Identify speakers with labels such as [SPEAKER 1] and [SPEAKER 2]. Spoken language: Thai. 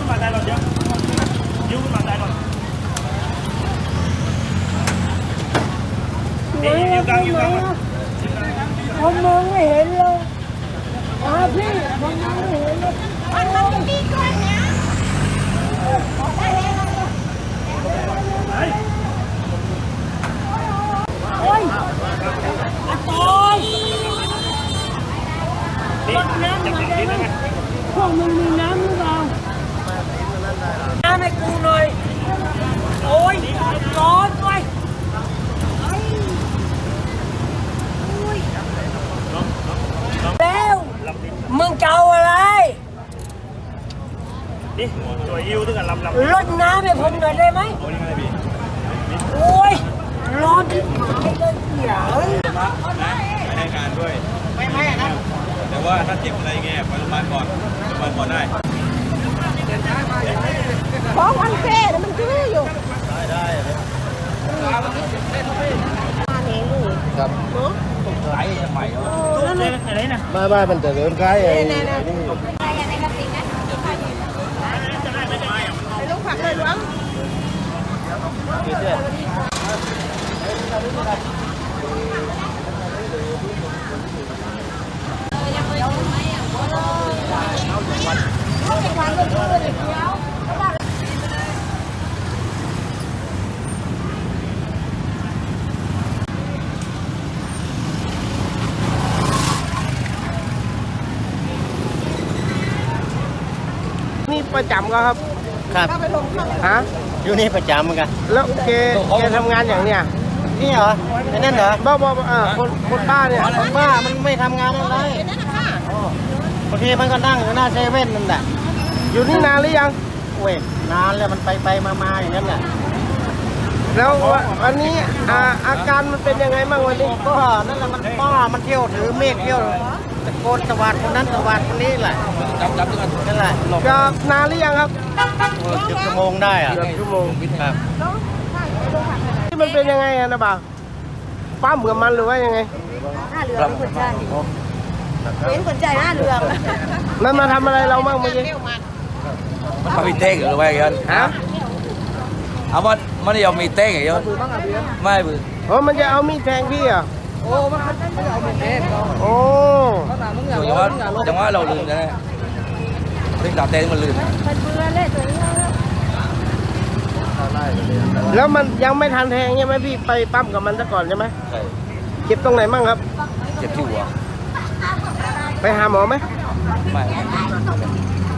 [SPEAKER 1] ขึ้นมาได้หรอเดี๋ยวยิ้วขึ้นมาได้หรออยู่กลาง
[SPEAKER 2] ผมมองไม่เห็นเลยพี่ผมมองไม่เห็นเลยมันดีกว่านี้โอ้ยโอ้ยรถน้ำมาได้ไหมพวกมึงมีน้ำหรือเปล่าน้ำให้กูหน่อยโอ้ยร้อนด้วยแล้วมึงเก่าอะไร
[SPEAKER 1] นี่ตัวยิ้วตึ้งกันลำ
[SPEAKER 2] รดน้ำให้ผมหน่อยได้ไหมโอ้ยร้อนที่หายเลยเดี๋ยว
[SPEAKER 3] ไม่ให้การด้วยไม่นะแต่ว่าถ้าเจ็บอะไรเงี้ยไปโรงพยาบาลก่อนโรงพยาบาลก่อนได้
[SPEAKER 2] เพราะวันเฟ่มันคืออยู่
[SPEAKER 3] ได้ครับไหลใหม่
[SPEAKER 1] อะไรนะ
[SPEAKER 3] ไม่มันจะเดินใกล้ไอ้นี่
[SPEAKER 2] ไปลูกผักเลยล้วงนี่ประจำก็ครับ
[SPEAKER 4] ครับ
[SPEAKER 2] ฮะ
[SPEAKER 4] อยู่นี่ประจำเหมือนกัน
[SPEAKER 2] แล้วแกทำงานอย่างเนี้ย
[SPEAKER 4] นี่เหรอไอ้นั่นเหรอ
[SPEAKER 2] บ้าคนป้าเนี่ย
[SPEAKER 4] คนบ้ามันไม่ทำงานอะไรบางทีมันก็นั่งอยู่หน้าเซเว่นนั่นแหละ
[SPEAKER 2] อยู่นี่นานหรือยัง
[SPEAKER 4] โอ้ยนานแล้วมันไปมาอย่างนั้นแหละ
[SPEAKER 2] แล้ววันนี้อาการมันเป็นยังไงบ้างวันนี้
[SPEAKER 4] ก็นั่นแหละมันบ้ามันเที่ยวถือเมฆเที่ยวตะโกนตะวัดคนนั้นตะวัดคนนี้แหละจับนั่นแหละ
[SPEAKER 2] จะนานหรือยังครับ
[SPEAKER 4] 10 ชั่วโมงได้อะ
[SPEAKER 2] ชั่วโมง
[SPEAKER 4] ครับ
[SPEAKER 2] ที่มันเป็นยังไงนะบ่าวปั้มกับมันหรือว่ายังไง
[SPEAKER 5] หน้าเรือเป็นคนใจเป็นคนใจหน้าเรือ
[SPEAKER 2] มันมาทำอะไรเราบ้างเมื่อกี้
[SPEAKER 3] มันเขามีเต้งหรือว่าอย่างนั้น
[SPEAKER 2] ฮะ
[SPEAKER 3] เอามันยอมมีเต้งอย่างนั้นไม่บือ
[SPEAKER 2] มันจะเอามีดแทงพี่อ่ะ
[SPEAKER 5] โอ้มันจะเอาเป็นเทป
[SPEAKER 2] โอ้
[SPEAKER 3] จังหวะเราลืมนะเรื่องดาบเต้งมันลืม
[SPEAKER 5] มันเบื่อเลยตัวนี้
[SPEAKER 2] แล้วมันยังไม่ทันแทงใช่ไหมพี่ไปปั้มกับมันซะก่อนใช่ไหม
[SPEAKER 3] ใช่
[SPEAKER 2] เจ็บตรงไหนมั่งครับ
[SPEAKER 3] เจ็บที่หัว
[SPEAKER 2] ไปหาหมอไหม
[SPEAKER 3] ไม่